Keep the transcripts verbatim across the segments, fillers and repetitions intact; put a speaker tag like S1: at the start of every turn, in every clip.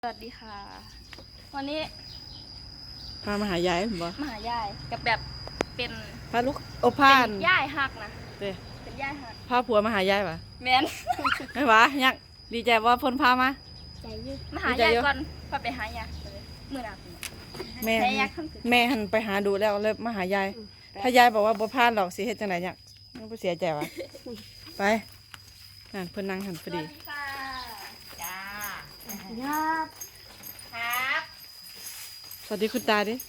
S1: สวัสดีค่ะวันนี้
S2: พามาหายายบ่
S1: มาหายายกับแบบเป็น
S2: พาลูกโอพาน
S1: เป็นยายหักนะ
S2: เด้
S1: เป็นยายหัก
S2: พาผัวมาหายายป่ะ
S1: แมน
S2: ไม่หวะยักดีใจว่าเพิ่นพามา
S1: ใจยืดมาหายายก่อนพาไปหายายมือหนัก
S2: แม่แม่หันไปหาดูแล้วเลยมาหายายถ้ายายบอกว่าบ่พานหรอกสิเฮ็ดจังได๋ยักมันบ่เสียใจวะไปนั่นเพิ่นนั่งหันพอดี
S1: จ้าครับครับ
S2: สวัสดีคุณตาดิ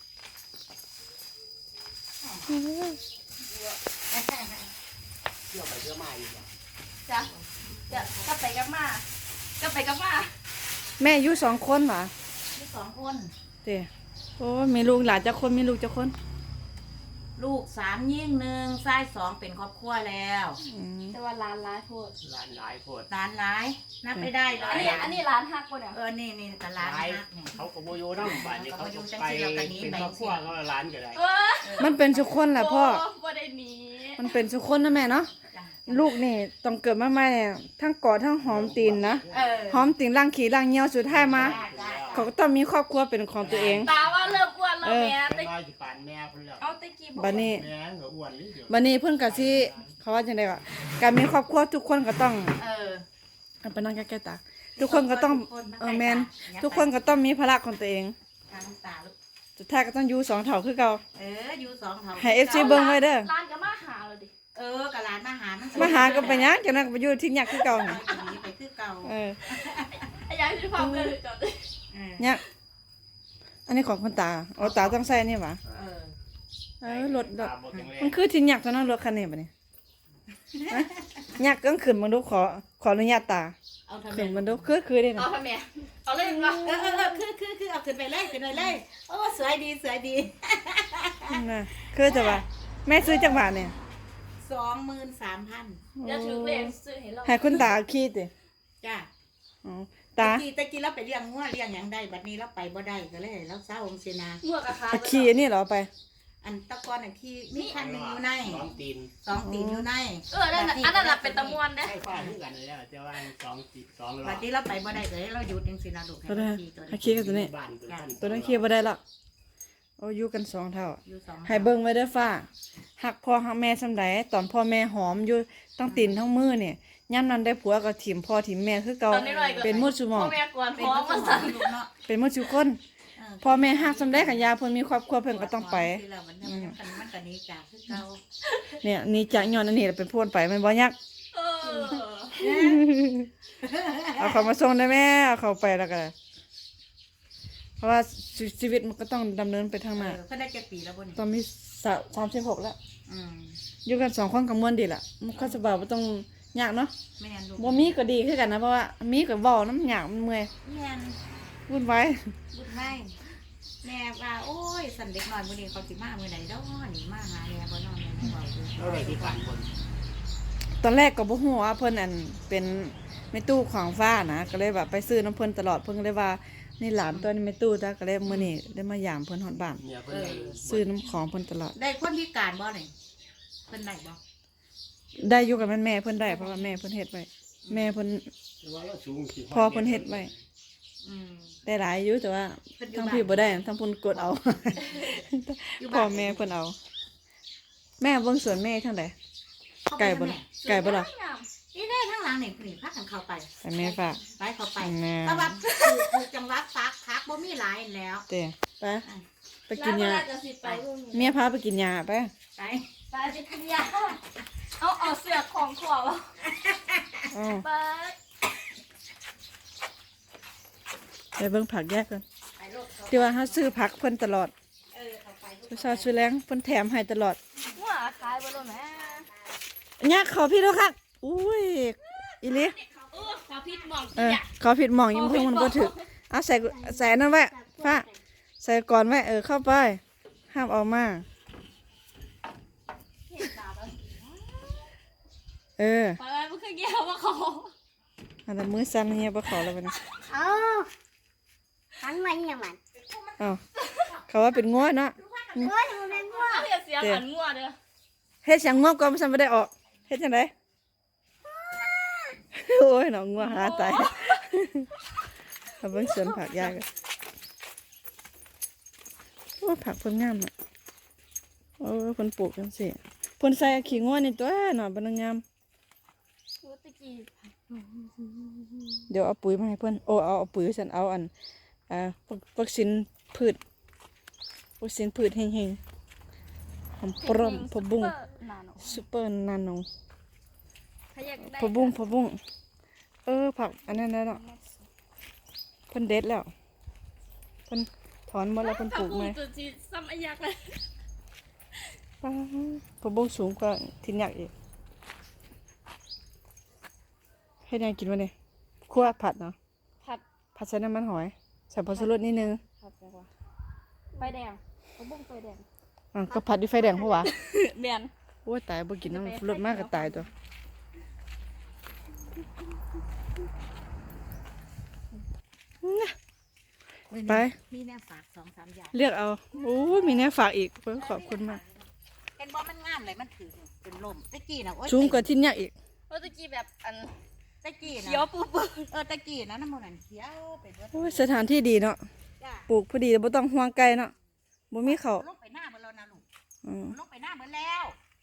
S3: เที่ยวไปเที่ยวมาอยู่อ่ะ
S1: จ้ะจะก็ไปกับมาก็ไปกับมา
S2: แม่อยู่สองคนเหรอ
S1: มีสองคน
S2: เด้โอ้มีลูกหลานจักคนมีลูกจักคน
S4: ลูกสามยิ่งหนึ่งชายสองเป็นครอบครัวแล้ว
S1: แต่ว่าร้านร้ายโพด
S3: ร้านหลายโพด
S4: ร้านร้ายนับไม่ได้เล
S1: ยอันนี้อันนี้ร้านฮักคนเนี่ย
S4: เออนี่นี่แต่ร้านฮักเนี่ย
S3: เขาก็โมโยน้ำบ้านนี่เขาไปเป็นครอบครัวเขาร้านก็ได้
S2: มันเป็นทุกคนแหละพ่อ
S1: บ่ได้หนี
S2: มันเป็นทุกคนนะแม่เนาะลูกนี่ต้องเกิดมาใหม่เนี่ยทั้งกอดทั้งหอมตีนนะหอมตีนล่างขี่ล่างเงี้ยวสุดท้ายมาเขาก็ต้องมีครอบครัวเป็นของตัวเอง
S1: ตาว่าเลิกอ้วนแล้วแม่
S3: ตะกี้ปานแม่คนแล้ว
S1: เอาตะกี้บอก
S2: บัดนี้
S3: แม่เหงาอ้วนนี่เดี๋ยว
S2: บัดนี้เพิ่นก็สิเขาว่าจังได๋วะการมีครอบครัวทุกคนก็ต้อง
S4: เออ
S2: ไปนั่งใกล้ๆตาทุกคนก็ต้องเออแม่นทุกคนก็ต้องมีภาระของตัวเอง
S4: ทางตาลูก
S2: สุดท้ายก็ต้องอยู่สองเท่าคือเก่า
S4: เอออยู่สองเท่า
S2: ให้ เอฟ ซี เบิ่งไว้เด้อ
S1: ร้านก็มาหาเลยดิ
S4: เออกับร้านมาหา
S2: มาหาก็ไปหยังจังนั้นก็ไปอยู่ที่ยักคือเก่าน่ะ
S4: ไปคือเก่า
S2: เออ
S1: ไอ้ยายสิพาไปจอด
S2: เนี่ยอันนี้ของคุณตาเอาตาต้องใส่นี่หว่า
S4: เออ
S2: เออรถรถมันคือที่ยักตอนนั้นรถคันนี้บัดนี้ยักก็ขึ้นมาดูขอขออนุญาตตาขึ้นมาดูคือคือได้
S1: นะเอาทำไมเอาเลยมั้ย
S4: เออเออคือคือคือเอาขึ้นไปเลยขึ้นไปเลยโอ้สวยดีสวยดี
S2: น่ะคือจะว่าแม่ซื้อจังหวัดเนี่ย
S4: สองหมื่นสามพัน
S1: จะถือเลขซื้อให้เรา
S2: ให้คุณตาขี้ติ
S4: จ้า
S2: อ๋อตา
S4: ตะกี้ตะกี้เราไปเลี้ยงงัวเลี้ยงหยังได้บัดนี้เราไปบ่ได้ก็เลยเราเศร้าองเสนา
S1: งัวกับขา
S2: ขี้นี่เหรอไป
S4: อันตะกอนอันขี้มีคันนึงอยู่ใน
S3: สองตีน
S4: สองตีนอยู่ใน
S1: เออนั่นอันนั้นเป็นตะมวนเด้
S3: ใช่ฟ้าที่กันแล้วจะว่าสองตีสองรอบ
S4: บัดนี้เราไปบ่ได้ก็เลยเราหยุดจังซี่นะลูก
S2: ให้ขี้ตัวนี้ขี้กันตัวนี้ตัวนั้นขี้บ่ได้ละโอ้อยู่กันสองเท่าให้เบิ่งไว้เด้อฟ้าหักพ่อหักแม่ซำใดตอนพ่อแม่หอมอยู่ตั้งตีนทั้งมือเนี่ยย่ำนั้นได้ผัวก็ถิ่มพ่อถิ่มแม่คือเก่าเป็นมุดสุหมองเป็นมุดสุคนพ่อแม่หักซำใดขันยาเพิ่นมีครอบครัวเพิ่นก็ต้องไปเนี่ยนี่จากย้อนอันนี้เป็นพูนไปมันบ่ยักเอาเขามาส่งได้แม่เอาเขาไปแล้วก็เพราะว่าชีวิตมันก็ต้องดำเนินไปทางหน้า
S4: เพิ่นได้กี่ปีแล้วบ่นี่
S2: ตอนมีสามสิบหกแล้วอยู่กันสองคนก็ม่วนดีล่ะมันก็สบายบ่ต้องยากเนาะ
S4: แม่นลูก
S2: บ่มีก็ดีคือกันนะเพราะว่ามีก็เว้าน้ำยากมันเมื่อย
S4: แม่น
S2: วุ่นวาย
S4: วุ่นวายแม่ว่าโอ้ยสันเด็กน้อยมื้อนี้เขาสิมามื้อใดดอกนี่มาหาแม่บ่นอนแม่เว้าอยู่
S3: เท่าไหร่ที่ผ่านคน
S2: ตอนแรกก็บ่ฮู้ว่าเพิ่นอันเป็นแม่ตู้ของฟ้านะก็เลยแบบไปซื้อน้ำเพิ่นตลอดเพิ่นก็เลยว่านี่หลานตัวนี้แม่ตู้จ้ะก็เลยมื้อนี้ได้มายามเพิ่นฮอดบ้านซื้อน้ำของเพิ่นตลอด
S4: ได้คนพิการบ่นี่เพิ่นได้บ่
S2: ได้อยู่กับแม่เพิ่นได้เพราะว่าแม่เพิ่นเฮ็ดไว้แม่เพิ่นพอเพิ่นเฮ็ดไว้ได้หลายอยู่แต่ว่าทั้งพี่บ่ได้ทั้งเพิ่นกดเอาพ่อแม่เพิ่นเอาแม่เบิ่งสวนแม่ทางใดไก่บ่ไก่บ่ล่ะ
S4: นี่ได้ทางหลังนี่นี่พากันเข้าไป
S2: ไปแม่ฝาก
S4: ไปเข้าไปแต่ว่าถูกจังหวัดซักพักบ่มีหลายแล้ว
S2: เด้ไปไปกินยาเมียพาไปกินยาไป
S4: ไป
S1: ไปไปกินยาเอาเอาเสื้อของขวบไป
S2: ไปเบิ่งผักแยกกันที่ว่าเขาซื้อผักเพิ่นตลอดซื้อซาซื้อแรงเพิ่นแถมให้ตลอด
S1: ว่าขายบ่ล่ะแม่
S2: ยักขอพี่ด้วยครับอุ้ยอีลิ
S1: ขอผิดหม่อง
S2: เออขอผิดหม่องยิ่งเพิ่งมันบ่ถึกเอาใส่ใส่นั่นไว้ฟ้าใส่ก่อนไว้เออเข้าไปห้ามออกมาเออ
S1: ไปไปบ่เคยเกี่ยวว่าเขา
S2: อันนั้นมือสั่นเฮียบ่ขอแล้วบัดนี้
S5: เอ้าทั้งมันยังมัน
S2: อ้าวเขาว่าเป็นงัวเนาะ
S5: งัวมันเป็นงัว
S1: เฮ็ดเสียงเหมือนงัวเด้อ
S2: เฮ็ดเสียงงัวก่อนมันสั่นบ่ได้ออกเฮ็ดจังได๋โอ้ยน้องงัวหาตายเอาเบิ่งสวนผักยายกันโอ้ผักเพิ่นงามอ่ะโอ้เพิ่นปลูกจังซี่เพิ่นใส่ขี้งัวนี่ตัวเนาะบ่นงาม
S1: รู้ตะกี้
S2: เดี๋ยวเอาปุ๋ยมาให้เพิ่นโอ้เอาเอาปุ๋ยฉันเอาอันอ่าวัควัคซีนพืชวัคซีนพืชแห้งๆหอมปรอมพะบุ้ง
S1: นาโน
S2: ซุปเปอร์นาโน
S1: ถ้าอยากได้
S2: พะบุ้งพะบุ้งเออผักอันนั้นแล้วเนาะเพิ่นเด็ดแล้วเพิ่นถอนหมดแล้วเพิ่นปลูกไหม
S1: ตัวจีซ้ำอายักเลย
S2: ป้าพะบุ้งสูงกว่าทินยักษ์อีกให้นายกินวะเนี่ยคั่วผัดเนาะ
S1: ผัด
S2: ผัดใส่น้ำมันหอยใส่ผงชูรสนิดนึง
S1: ผัดแบบว่าไฟแดงผักบุ้งไฟแดง
S2: อ่ะก็ผัดด้วยไฟแดงเพราะว่า
S1: แมน
S2: โอ้ยตายบ่กินน้ำรสมากก็ตายตัวไป
S4: มีแนวฝากสองสามอย่าง
S2: เลือกเอาโอ้ยมีแน่ฝากอีกเพิ่นขอบคุณมาก
S4: เป็นบ่มันงามเลยมันถือเป็นลมตะกี้น่ะโอ้ย
S2: สูงกว่าทินยักษ์อีก
S1: รู้ตะกี้แบบอัน
S4: ตะกี้
S1: เขียว
S4: นะ
S1: ปูปู
S4: เออตะกี้นะน้ำมันนั่นเขียวไปเบิด
S2: โอ้ยสถานที่ดีเนาะ
S4: จ้า
S2: ปลูกพอดีบ่ต้องห่วงไกลเนาะบ่มีเขาว
S4: ลงไปหน้าเบิดแล้วนะลูก
S2: อืม
S4: ลงไปหน้าเบิดแล้ว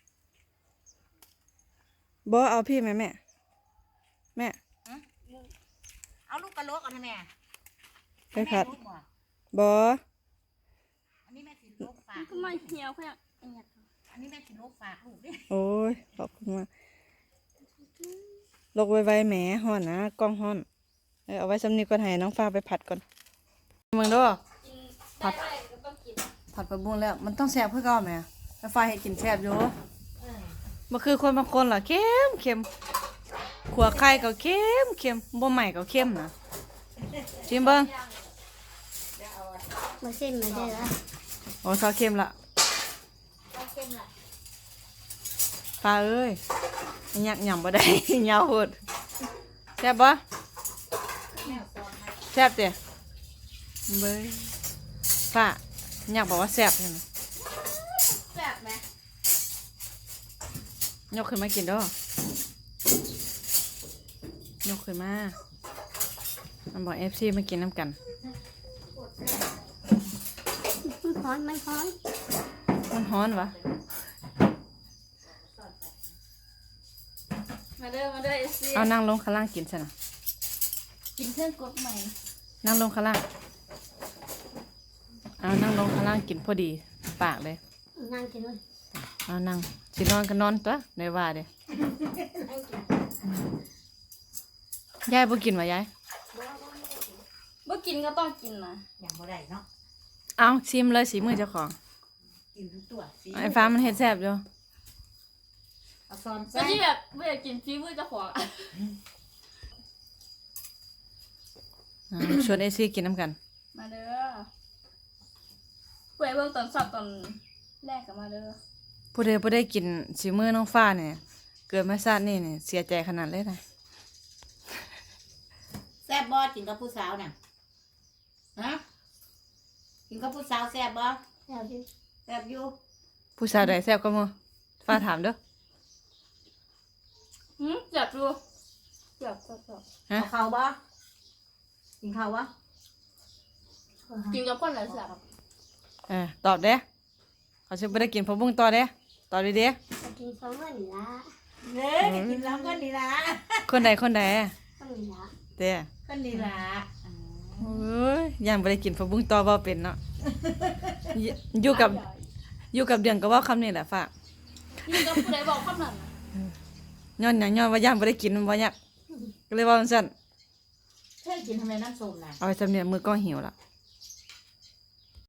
S2: บ่เอาพี่แม่แม่แม่
S4: เอาลูกกระโหลกเอาให้แม่
S2: ไปผัด
S4: แม่ลูกบ่
S2: บ่
S4: อันนี้แม่สิลูกฝาก
S1: ก็มาเหี่ยวเพื่อนอันเนี้ย
S4: อันนี้แม่สิลูกฝากลูกดิ
S2: โอ้ยขอบคุณมากลกไวๆแหมฮ้อนนะกล้องฮ้อนเออเอาไว้สำนีก่อนให้น้องฟ้าไปผัดก่อนมึงเด้อ
S1: กินได้ได้ก็ต้องกิน
S2: ผัดผักบุ้งแล้วมันต้องแซ่บเพื่อเก่าไหมแล้วฟ้าให้กินแซ่บอยู่มันคือคนบางคนเหรอเค็มเค็มขัวไข่ก็เค็มเค็มบ่ใหม่ก็เค็มนะชิมเบิ้ง
S5: มาเส้นมาได้แล้ว
S2: โอ้ซอสเค็มละฟ้าเอ้ยยักหย่ำบ่ได้ ยาวโหดแซ่บบ่แซ่บเด้เบ้ยฟ้าอยากบอกว่าแซ่บใช่ไหม
S1: แซ่บไหม
S2: ยกขึ้นมากินเด้อยกขึ้นมามันบอกเอฟซีมากินน้ำกัน
S5: มันฮ้อนมันฮ้อน
S2: มันฮ้อนวะ
S1: มาเด้อมาเด้อเอซี
S2: เอานั่งลงข้างล่างกินซะนะ
S1: กินเครื่องกดใหม่
S2: นั่งลงข้างล่างเอานั่งลงข้างล่างกินพอดีปากเลย
S5: นั่งกินเลย
S2: เอานั่งสินอนก็นอนตัวในว่าเด้ยายบ่กินวะยาย
S1: เมื่อกินก็ต้องกินนะ
S4: อย่างบ่ได้เนาะ
S2: เอาชิมเลยสีมือเจ้าของ
S4: กินทุกตัวสิ
S2: ไอ้ฟ้ามันเฮ็ดแซ่บอยู่
S4: เอาซ้อน
S1: ก็
S4: ใส่
S1: ที่แบบไม่อยากกินฟีมือเจะของ
S2: อ่าชวนเอซีกินน้ำกัน
S1: มาเด้อเปิดเบื้องตอนสอบตอนแรกกับมาเด้อ
S2: ผู้ใดผู้ได้กินสีมือน้องฟ้าเนี่ยเกิดมาชาตินี่เนี่ยเสียใจขนาดเลยนะ
S4: แซ่บบ่กินกับผู้สาวน่ะฮะกินกับผู้สาวแซ่บบ่
S5: แล้วดิ
S4: แซ่บอยู่
S2: ผู้สาวใดแซ่บก็มือฟ้าถามเด้อ
S1: หืมเจ็บดูเจ็บเจ็บเจ็บ
S2: ฮะ
S4: เอาข้าวบ่กินข้าวบ่
S1: กินกับคนไหนแซ่บ
S2: เออตอบเด้เขาจะไม่ได้กินผักบุ้งต่อเด้ตอบดีเด้
S5: จะกินสองวันละ
S4: เด้อกินแล้วก็ดีละ
S2: คนใดคนใด
S5: ก็มีละ
S2: เด้
S4: ก็ดีละ
S2: โอ้ยยังไม่ได้กินผักบุ้งต่อบ่เป็นเนาะอยู่อยู่กับอยู่กับเดือนก็เว่าคำนี้แหละฟ้า
S1: กินกับผู้ใดบอกคำนั้นน่ะ
S2: ย้อนหยังย้อนว่ายังไม่ได้กินมันบ่อยากก็เลยเว่าจังซั่น
S4: เธอกินทำไมน้ำส้มน่ะ
S2: เอาไปจำเนี่ยมือก็หิวละ